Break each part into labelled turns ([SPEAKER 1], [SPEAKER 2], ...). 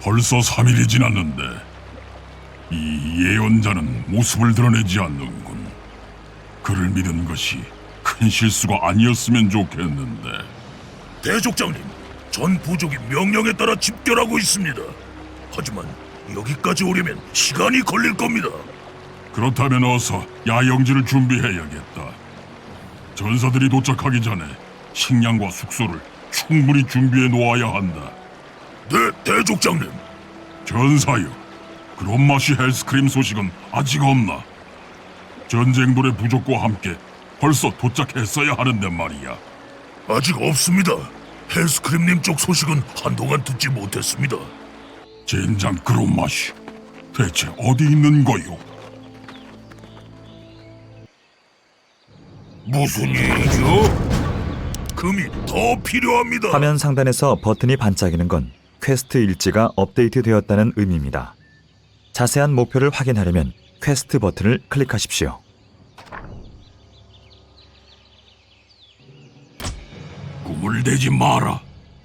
[SPEAKER 1] 벌써 3일이 지났는데 이 예언자는 모습을 드러내지 않는군. 그를 믿은 것이 큰 실수가 아니었으면 좋겠는데.
[SPEAKER 2] 대족장님, 전 부족이 명령에 따라 집결하고 있습니다. 하지만 여기까지 오려면 시간이 걸릴 겁니다.
[SPEAKER 1] 그렇다면 어서 야영지를 준비해야겠다. 전사들이 도착하기 전에 식량과 숙소를 충분히 준비해 놓아야 한다.
[SPEAKER 2] 네, 대족장님.
[SPEAKER 1] 전사여, 그런마시 헬스크림 소식은 아직 없나? 전쟁돌의 부족과 함께 벌써 도착했어야 하는데 말이야.
[SPEAKER 2] 아직 없습니다. 헬스크림님 쪽 소식은 한동안 듣지 못했습니다.
[SPEAKER 1] 젠장 그런마시, 대체 어디 있는 거요?
[SPEAKER 2] 무슨 일이죠? 금이 더 필요합니다.
[SPEAKER 3] 화면 상단에서 버튼이 반짝이는 건 퀘스트 일지가 업데이트되었다는 의미입니다. 자세한 목표를 확인하려면 퀘스트 버튼을 클릭하십시오.
[SPEAKER 1] 꿈을 대지 마라.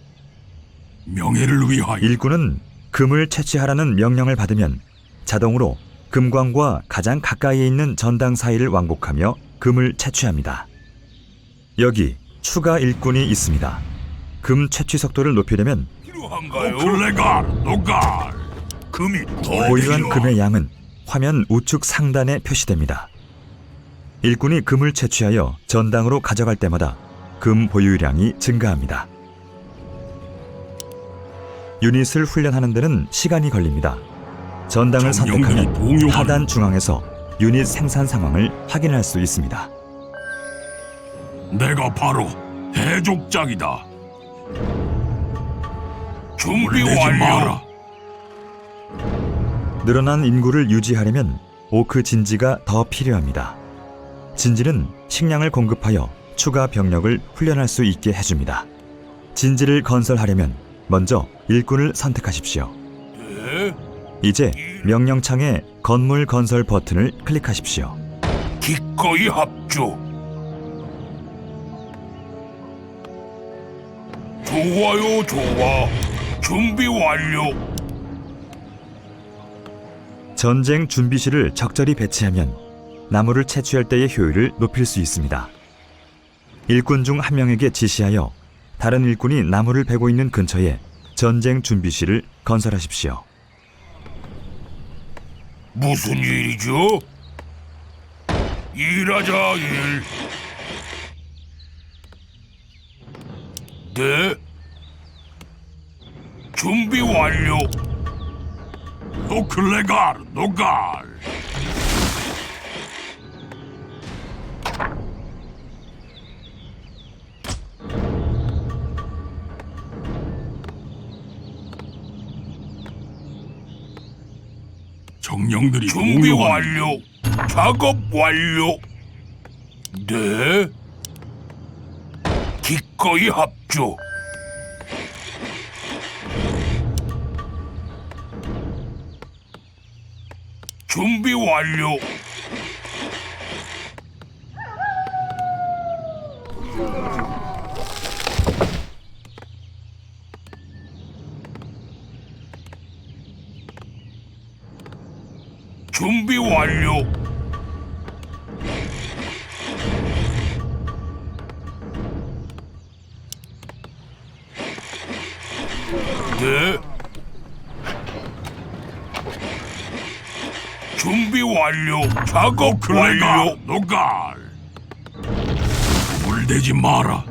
[SPEAKER 1] 명예를 위하여.
[SPEAKER 3] 일꾼은 금을 채취하라는 명령을 받으면 자동으로 금광과 가장 가까이에 있는 전당 사이를 왕복하며 금을 채취합니다. 여기 추가 일꾼이 있습니다. 금 채취 속도를 높이려면
[SPEAKER 2] 필요한가요?
[SPEAKER 1] 클레갈, 노갈.
[SPEAKER 2] 금이 더
[SPEAKER 3] 보유한
[SPEAKER 2] 필요.
[SPEAKER 3] 금의 양은 화면 우측 상단에 표시됩니다. 일꾼이 금을 채취하여 전당으로 가져갈 때마다 금 보유량이 증가합니다. 유닛을 훈련하는 데는 시간이 걸립니다. 전당을
[SPEAKER 1] 정령들이
[SPEAKER 3] 선택하면
[SPEAKER 1] 동요하는
[SPEAKER 3] 하단 중앙에서 유닛 생산 상황을 확인할 수 있습니다.
[SPEAKER 1] 내가 바로 대족장이다.
[SPEAKER 2] 준비
[SPEAKER 1] 내지
[SPEAKER 2] 완료.
[SPEAKER 1] 마라.
[SPEAKER 3] 늘어난 인구를 유지하려면 오크 진지가 더 필요합니다. 진지는 식량을 공급하여 추가 병력을 훈련할 수 있게 해줍니다. 진지를 건설하려면 먼저 일꾼을 선택하십시오.
[SPEAKER 2] 네?
[SPEAKER 3] 이제 명령창에 건물 건설 버튼을 클릭하십시오.
[SPEAKER 2] 기꺼이 합주. 좋아요, 좋아. 준비 완료.
[SPEAKER 3] 전쟁 준비실을 적절히 배치하면 나무를 채취할 때의 효율을 높일 수 있습니다. 일꾼 중 한 명에게 지시하여 다른 일꾼이 나무를 베고 있는 근처에 전쟁 준비실을 건설하십시오.
[SPEAKER 2] 무슨 일이죠? 일하자, 일. 네? 준비 완료.
[SPEAKER 1] 노클레갈, 노갈. 정령들이
[SPEAKER 2] 준비
[SPEAKER 1] 공용하는
[SPEAKER 2] 완료. 작업 완료. 네? 기꺼이 합주. 준비 완료. 준비 완료. 네. 준비 완료. 작업 완료.
[SPEAKER 1] 노갈. 꿈을 대지 마라.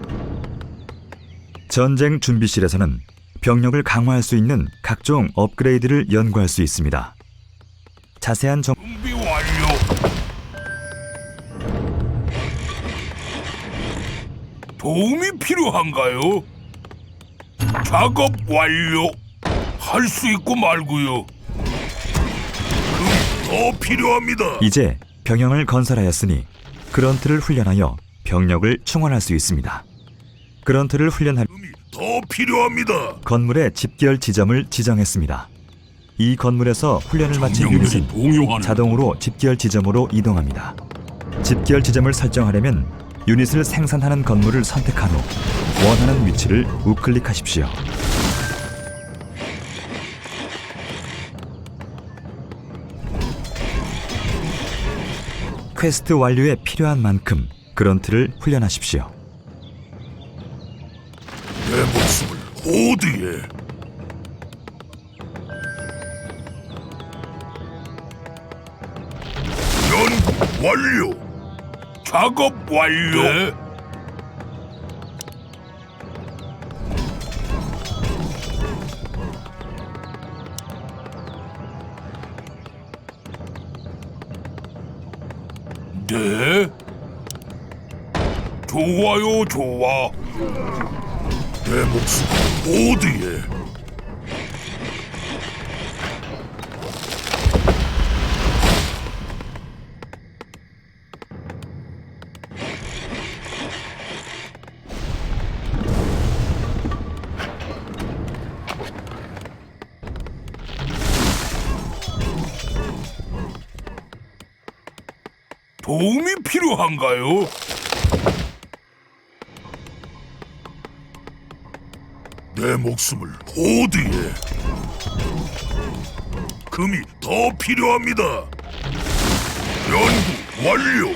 [SPEAKER 3] 전쟁 준비실에서는 병력을 강화할 수 있는 각종 업그레이드를 연구할 수 있습니다. 자세한
[SPEAKER 2] 준비 완료. 도움이 필요한가요? 작업 완료. 할 수 있고 말고요. 더 필요합니다.
[SPEAKER 3] 이제 병영을 건설하였으니 그런트를 훈련하여 병력을 충원할 수 있습니다. 그런트를 훈련할
[SPEAKER 2] 더 필요합니다.
[SPEAKER 3] 건물의 집결 지점을 지정했습니다. 이 건물에서 훈련을 마친
[SPEAKER 1] 정령들이
[SPEAKER 3] 유닛은
[SPEAKER 1] 동요하는
[SPEAKER 3] 자동으로 집결 지점으로 이동합니다. 집결 지점을 설정하려면 유닛을 생산하는 건물을 선택한 후 원하는 위치를 우클릭하십시오. 퀘스트 완료에 필요한 만큼 그런트를 훈련하십시오.
[SPEAKER 2] 내 목숨을 호드에. 연구 완료. 작업 완료. 네. 좋아요, 좋아. 내 목숨 호드에. 도움이 필요한가요? 내 목숨을 호드에. 금이 더 필요합니다. 연구 완료.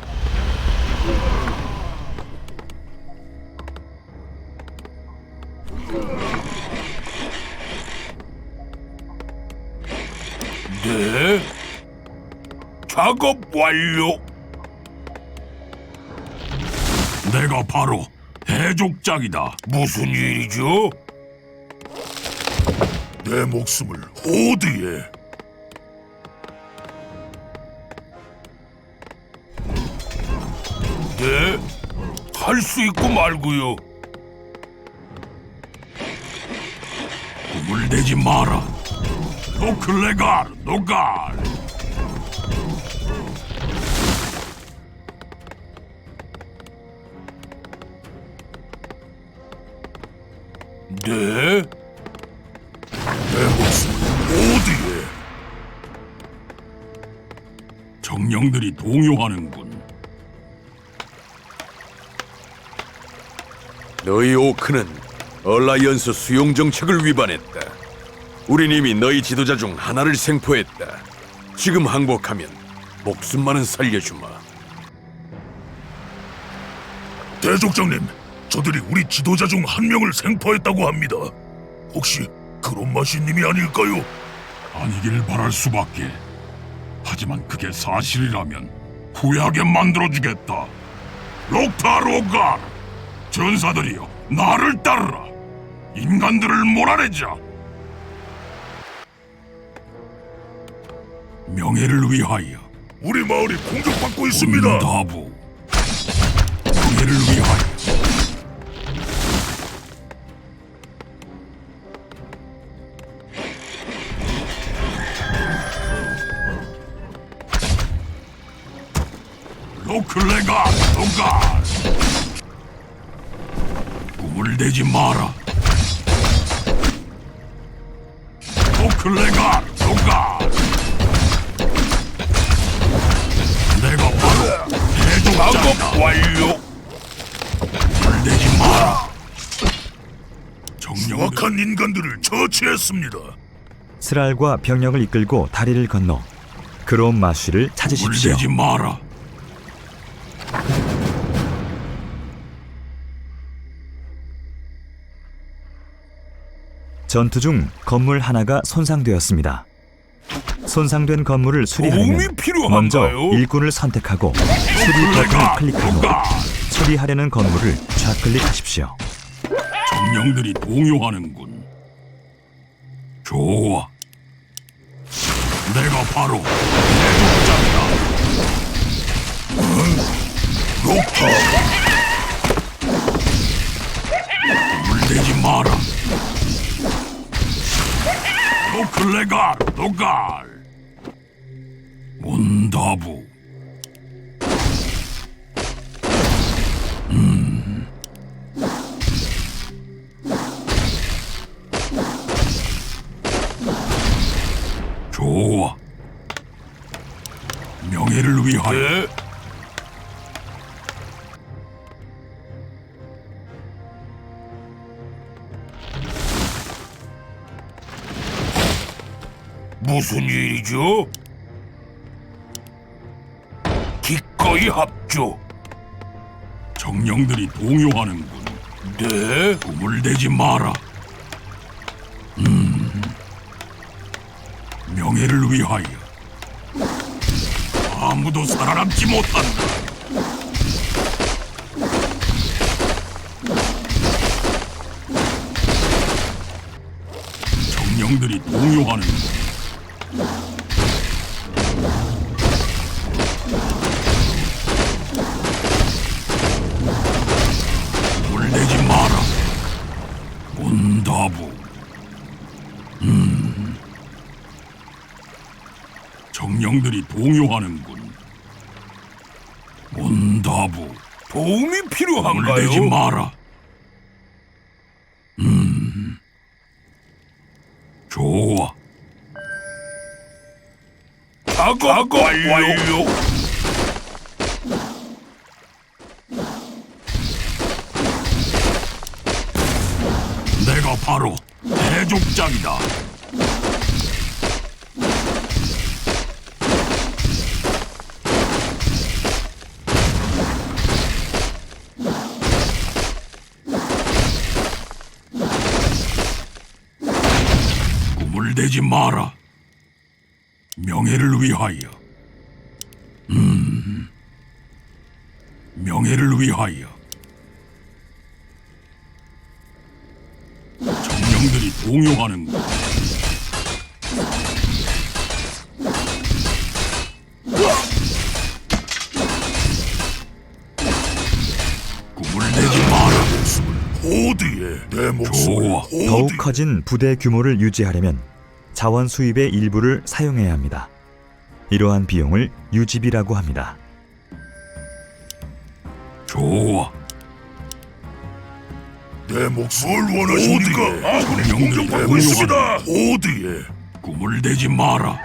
[SPEAKER 2] 네. 작업 완료.
[SPEAKER 1] 내가 바로 해족장이다.
[SPEAKER 2] 무슨 일이죠? 내 목숨을 호드에. 네, 할 수 있고 말고요.
[SPEAKER 1] 꿈을 내지 마라. 노클레갈 노갈.
[SPEAKER 2] 네, 내 목숨을 호드에.
[SPEAKER 1] 정령들이 동요하는군.
[SPEAKER 4] 너희 오크는 얼라이언스 수용 정책을 위반했다. 우린 이미 너희 지도자 중 하나를 생포했다. 지금 항복하면 목숨만은 살려주마.
[SPEAKER 2] 대족장님, 저들이 우리 지도자 중 한 명을 생포했다고 합니다. 혹시 크롬마시님이 아닐까요?
[SPEAKER 1] 아니길 바랄 수밖에. 하지만 그게 사실이라면 후회하게 만들어주겠다. 록타로갈, 전사들이여 나를 따르라. 인간들을 몰아내자. 명예를 위하여.
[SPEAKER 2] 우리 마을이 공격받고 있습니다.
[SPEAKER 1] 문다부. 명예를 위하여. 노클레가 노갈. 꿈을 내지 마라. 노클레가 노갈. 내가 바로 해족장이다.
[SPEAKER 2] 작업 완료.
[SPEAKER 1] 꿈을 내지 마라. 정령들
[SPEAKER 2] 수악한 인간들을 처치했습니다.
[SPEAKER 3] 스랄과 병력을 이끌고 다리를 건너 그롬 마쉬를
[SPEAKER 1] 꿈을
[SPEAKER 3] 찾으십시오.
[SPEAKER 1] 내지 마라.
[SPEAKER 3] 전투 중 건물 하나가 손상되었습니다. 손상된 건물을 수리하려면
[SPEAKER 2] 도움이 필요한가요?
[SPEAKER 3] 먼저 일꾼을 선택하고 수리 버튼을 클릭한 후 수리하려는 건물을 좌클릭하십시오.
[SPEAKER 1] 정령들이 동요하는군. 좋아. 내가 바로 해족장이다.
[SPEAKER 2] 록타.
[SPEAKER 1] 꿈을 내지 마라. 노클레갈 노갈. 문다부. 좋아. 명예를 위하여.
[SPEAKER 2] 네. 무슨 일이죠? 합주.
[SPEAKER 1] 정령들이 동요하는군.
[SPEAKER 2] 네?
[SPEAKER 1] 꿈을 대지 마라. 명예를 위하여 아무도 살아남지 못한다. 정령들이 동요하는군. 꿈을 대지 마라. 문다부. 정령들이 동요하는군. 문다부.
[SPEAKER 2] 도움이
[SPEAKER 1] 꿈을 대지
[SPEAKER 2] 필요한가요?
[SPEAKER 1] 마라. 좋아.
[SPEAKER 2] 작업 완료.
[SPEAKER 1] 내가 바로 대족장이다. 꿈을 대지 마라. 명예를 위하여. 명예를 위하여. 정령들이 동요하는군. 꿈을 대지 마라.
[SPEAKER 2] 호드에 내 목숨을
[SPEAKER 1] 좋아.
[SPEAKER 3] 더욱 커진 부대 규모를 유지하려면 자원 수입의 일부를 사용해야 합니다. 이러한 비용을 유지비라고 합니다.
[SPEAKER 1] 좋아.
[SPEAKER 2] 내 목숨을 원하십니까? 아군이
[SPEAKER 1] 정령들이
[SPEAKER 2] 공격받고 있습니다. 호드에
[SPEAKER 1] 꿈을 대지 마라.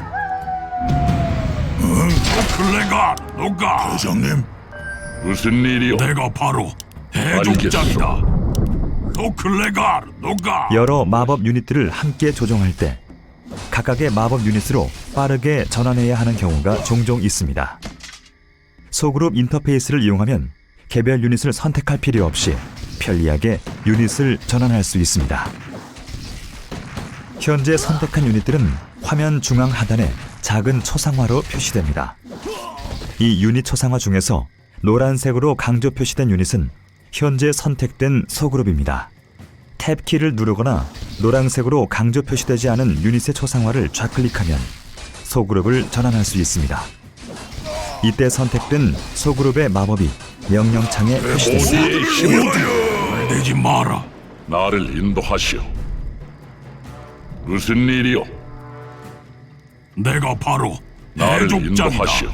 [SPEAKER 1] 노클레가 노가.
[SPEAKER 2] 대장님.
[SPEAKER 5] 무슨 일이요?
[SPEAKER 1] 내가 바로 대족장이다. 노클레가 노가.
[SPEAKER 3] 여러 마법 유닛들을 함께 조종할 때 각각의 마법 유닛으로 빠르게 전환해야 하는 경우가 종종 있습니다. 소그룹 인터페이스를 이용하면 개별 유닛을 선택할 필요 없이 편리하게 유닛을 전환할 수 있습니다. 현재 선택한 유닛들은 화면 중앙 하단에 작은 초상화로 표시됩니다. 이 유닛 초상화 중에서 노란색으로 강조 표시된 유닛은 현재 선택된 소그룹입니다. 탭키를 누르거나 노란색으로 강조 표시되지 않은 유닛의 초상화를 좌클릭하면 소그룹을 전환할 수 있습니다. 이때 선택된 소그룹의 마법이 명령창에 표시됩니다.
[SPEAKER 5] 우리의 힘을
[SPEAKER 1] 꿈을 대지 마라.
[SPEAKER 5] 나를 인도하시오. 무슨 일이요?
[SPEAKER 1] 내가 바로
[SPEAKER 5] 나를
[SPEAKER 1] 대족장이다.
[SPEAKER 5] 인도하시오.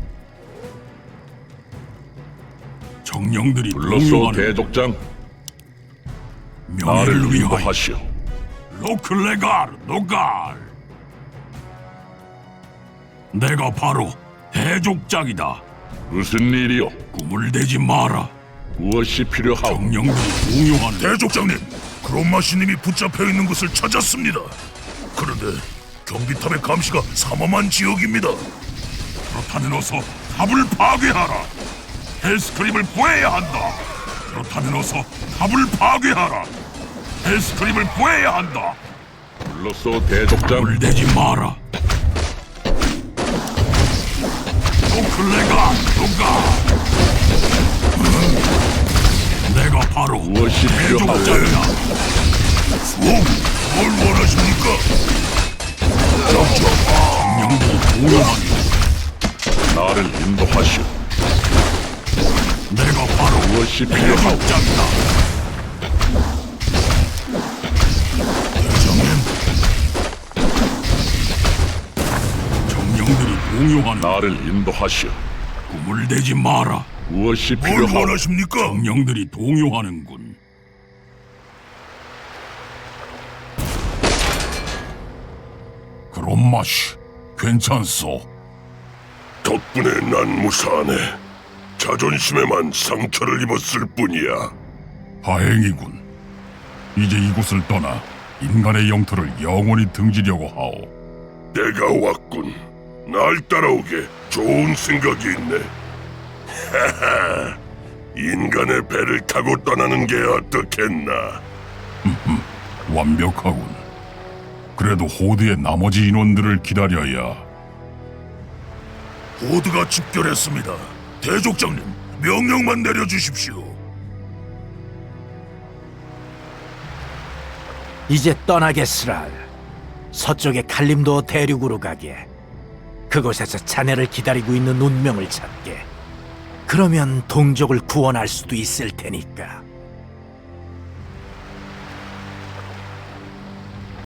[SPEAKER 1] 정령들이
[SPEAKER 5] 불렀소
[SPEAKER 1] 동요하는
[SPEAKER 5] 대족장.
[SPEAKER 1] 명예를
[SPEAKER 5] 나를
[SPEAKER 1] 위하여.
[SPEAKER 5] 인도하시오.
[SPEAKER 1] 노클레갈 노갈. 내가 바로 대족장이다.
[SPEAKER 5] 무슨 일이요?
[SPEAKER 1] 꿈을 대지 마라.
[SPEAKER 5] 무엇이 필요하오?
[SPEAKER 1] 정령들이 동요하는
[SPEAKER 2] 대족장님, 크롬마시님이 붙잡혀 있는 것을 찾았습니다. 그런데 경비탑의 감시가 삼엄한 지역입니다.
[SPEAKER 1] 그렇다면 어서 탑을 파괴하라. 헬스크림을 구해야 한다. 그렇다면 어서 탑을 파괴하라. 헬스크림을 구해야 한다.
[SPEAKER 5] 불렀소 대족장.
[SPEAKER 1] 꿈을 대지 마라. 노클레가 노가. 내가 바로
[SPEAKER 5] 무엇이 필요하오?
[SPEAKER 1] 대족장이다.
[SPEAKER 2] 뭘 원하십니까?
[SPEAKER 1] 정령들이 동요하는
[SPEAKER 5] 나를 인도하시오.
[SPEAKER 1] 내가 바로
[SPEAKER 5] 무엇이 필요하오?
[SPEAKER 1] 대족장이다.
[SPEAKER 2] 대장님,
[SPEAKER 1] 정령들이 동요하는
[SPEAKER 5] 나를 인도하시오.
[SPEAKER 1] 꿈을 대지 마라.
[SPEAKER 5] 무엇이
[SPEAKER 2] 뭘
[SPEAKER 5] 필요하오?
[SPEAKER 2] 원하십니까?
[SPEAKER 1] 정령들이 동요하는군. 그런 맛이 괜찮소.
[SPEAKER 2] 덕분에 난 무사하네. 자존심에만 상처를 입었을 뿐이야.
[SPEAKER 1] 다행이군. 이제 이곳을 떠나 인간의 영토를 영원히 등지려고 하오.
[SPEAKER 2] 내가 왔군. 날 따라오게 좋은 생각이 있네.
[SPEAKER 5] 인간의 배를 타고 떠나는 게 어떻겠나?
[SPEAKER 1] 완벽하군. 그래도 호드의 나머지 인원들을 기다려야.
[SPEAKER 2] 호드가 집결했습니다. 대족장님, 명령만 내려주십시오.
[SPEAKER 6] 이제 떠나겠으라. 서쪽의 칼림도 대륙으로 가게. 그곳에서 자네를 기다리고 있는 운명을 찾게. 그러면 동족을 구원할 수도 있을 테니까.